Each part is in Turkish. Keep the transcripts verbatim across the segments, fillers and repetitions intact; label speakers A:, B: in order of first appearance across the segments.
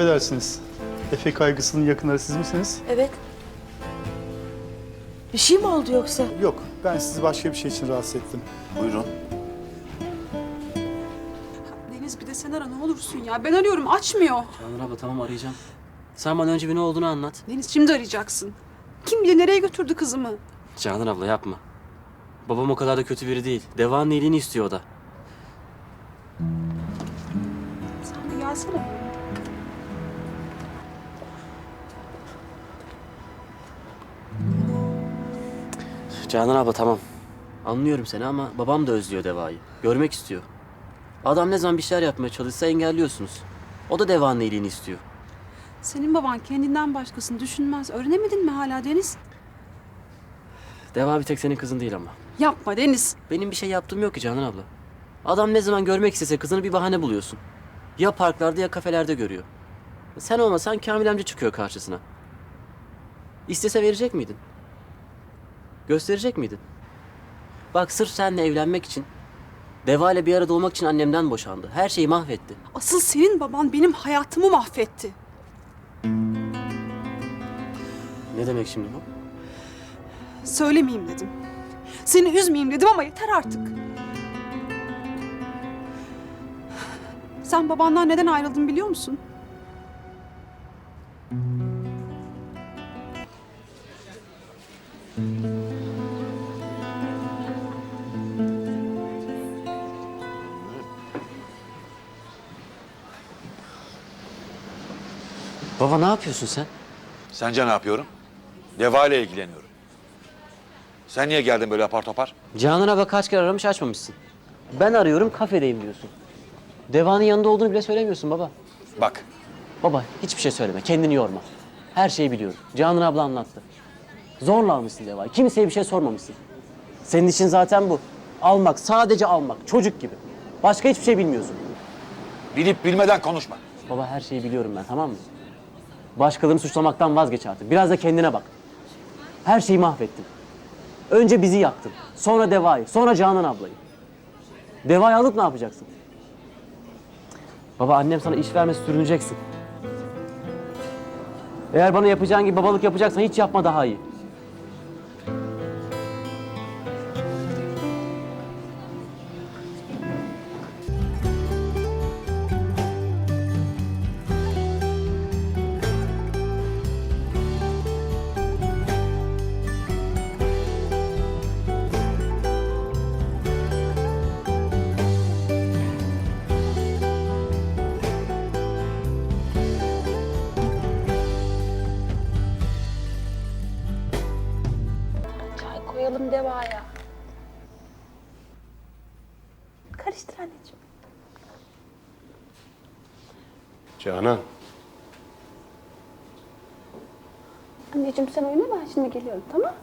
A: affedersiniz. Efe kaygısının yakınları siz misiniz?
B: Evet. Bir şey mi oldu yoksa?
A: Yok, ben sizi başka bir şey için rahatsız ettim.
C: Buyurun.
D: Deniz bir de sen ara ne olursun ya. Ben arıyorum açmıyor.
E: Canan abla tamam arayacağım. Sen bana önce bir ne olduğunu anlat.
D: Deniz şimdi arayacaksın. Kim bilir nereye götürdü kızımı.
E: Canan abla yapma. Babam o kadar da kötü biri değil. Deva'nın iyiliğini istiyor o da.
D: Sen bir gelsene.
E: Canan abla tamam. Anlıyorum seni ama babam da özlüyor Deva'yı. Görmek istiyor. Adam ne zaman bir şeyler yapmaya çalışsa engelliyorsunuz. O da Deva'nın iyiliğini istiyor.
D: Senin baban kendinden başkasını düşünmez. Öğrenemedin mi hala Deniz?
E: Deva bir tek senin kızın değil ama.
D: Yapma Deniz.
E: Benim bir şey yaptığım yok ki Canan abla. Adam ne zaman görmek istese kızını bir bahane buluyorsun. Ya parklarda ya kafelerde görüyor. Sen olmasan Kamil amca çıkıyor karşısına. İstese verecek miydin? Gösterecek miydin? Bak sırf seninle evlenmek için, Deva ile bir arada olmak için annemden boşandı. Her şeyi mahvetti.
D: Asıl senin baban benim hayatımı mahvetti.
E: Ne demek şimdi bu?
D: Söylemeyeyim dedim. Seni üzmeyeyim dedim ama yeter artık. Sen babandan neden ayrıldın biliyor musun?
E: Baba ne yapıyorsun sen?
C: Sence ne yapıyorum? Deva ile ilgileniyorum. Sen niye geldin böyle apar topar?
E: Canan abla kaç kere aramış açmamışsın. Ben arıyorum kafedeyim diyorsun. Deva'nın yanında olduğunu bile söylemiyorsun baba.
C: Bak,
E: Baba hiçbir şey söyleme, kendini yorma. Her şeyi biliyorum. Canan abla anlattı. Zorla almışsın Deva'yı, kimseye bir şey sormamışsın. Senin için zaten bu. Almak, sadece almak, çocuk gibi. Başka hiçbir şey bilmiyorsun.
C: bilip bilmeden konuşma.
E: Baba her şeyi biliyorum ben, tamam mı? Başkalarını suçlamaktan vazgeç artık. Biraz da kendine bak. Her şeyi mahvettin. Önce bizi yaktın, sonra Deva'yı, sonra Canan ablayı. Deva'yı alıp ne yapacaksın? Baba annem sana iş vermesi sürüneceksin. Eğer bana yapacağın gibi babalık yapacaksan hiç yapma daha iyi.
B: Çay koyalım Deva'ya. Karıştır anneciğim.
F: Canan,
B: Anneciğim sen oyna ben şimdi geliyorum tamam?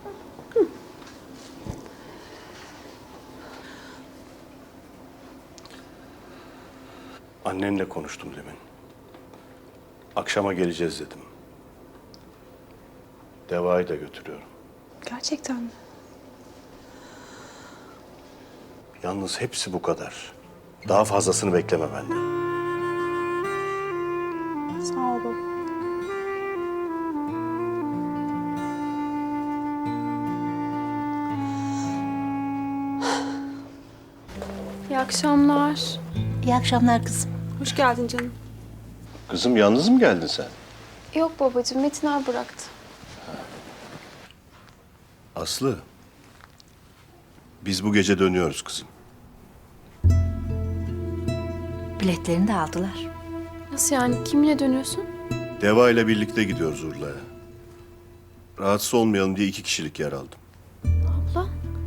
F: annenle konuştum demin. Akşama geleceğiz dedim. Deva'yı da götürüyorum.
D: Gerçekten mi?
F: Yalnız hepsi bu kadar. Daha fazlasını bekleme benden.
D: Sağ ol baba.
G: İyi akşamlar.
B: İyi akşamlar kızım.
D: Hoş geldin canım.
F: Kızım yalnız mı geldin sen?
G: Yok babacığım, Metin abi bıraktı.
F: Aslı, biz bu gece dönüyoruz kızım.
B: Biletlerini de aldılar.
G: Nasıl yani? Kiminle dönüyorsun?
F: Deva ile birlikte gidiyoruz Urla'ya. Rahatsız olmayalım diye iki kişilik yer aldım.
G: Abla?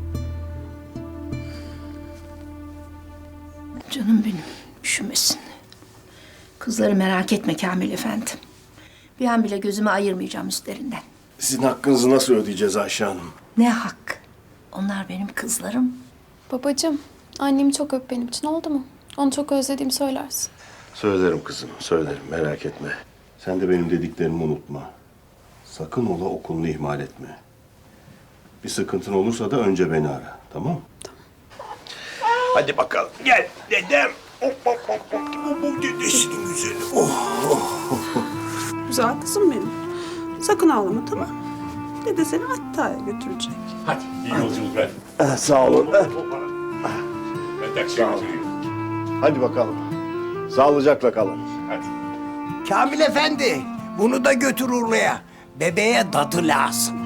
H: Canım benim, üşümesin. Kızları merak etme Kamil Efendi. Bir an bile gözümü ayırmayacağım üstlerinden.
F: Sizin hakkınızı nasıl ödeyeceğiz Ayşe Hanım?
H: Ne hak? Onlar benim kızlarım.
G: Babacığım, annemi çok öp benim için, oldu mu? Onu çok özlediğimi söylersin.
F: Söylerim kızım, söylerim. Merak etme. Sen de benim dediklerimi unutma. Sakın ola okulunu ihmal etme. Bir sıkıntın olursa da önce beni ara, tamam mı? Tamam. Hadi bakalım. Gel dedem. Dedesinin güzeli. Oh.
D: Güzel kızım benim. Sakın ağlama, tamam. Dede seni Hatta'ya götürecek.
I: Hadi iyi yolculuklar.
F: Eh, sağ olun. Eh,
I: Ben taksiye götüreyim.
F: hadi bakalım. Sağlıcakla kalın.
I: Hadi.
J: Kamil Efendi, bunu da götür Urla'ya. Bebeğe dadı lazım.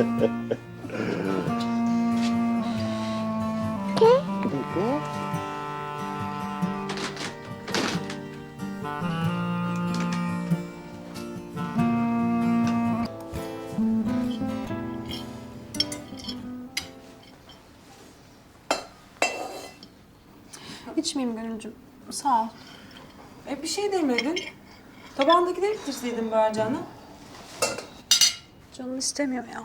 D: İçmeyeyim Gönülcüm. Sağ ol.
K: E bir şey demedin. Tabağındakileri bitirseydin bari canım.
D: Canım istemiyor ya.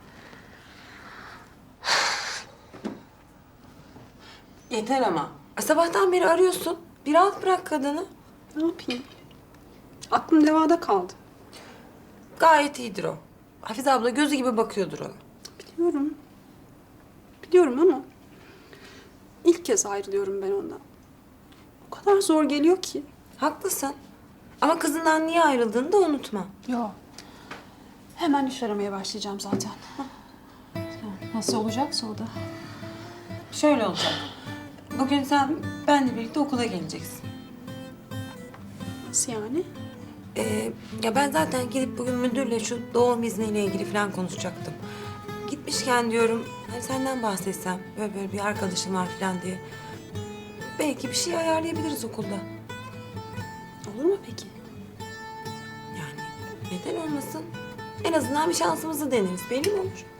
K: Yeter ama. E, sabahtan beri arıyorsun. Bir rahat bırak kadını.
D: Ne yapayım? Aklım levada kaldı.
K: Gayet iyidir o. Hafize abla gözü gibi bakıyordur ona.
D: Biliyorum. Biliyorum ama ilk kez ayrılıyorum ben ondan. O kadar zor geliyor ki.
K: Haklısın. Ama kızından niye ayrıldığını da unutma.
D: Yok. Hemen iş aramaya başlayacağım zaten. Nasıl olacaksa o da.
K: Şöyle olacak. Bugün sen benle birlikte okula geleceksin.
D: Nasıl yani?
K: Ee, ya ben zaten gidip bugün müdürle şu doğum izniyle ilgili falan konuşacaktım. Gitmişken diyorum hani senden bahsetsem böyle böyle bir arkadaşım var falan diye. Belki bir şey ayarlayabiliriz okulda.
D: Olur mu peki?
K: Yani neden olmasın? En azından bir şansımızı deneriz. Belli mi olur?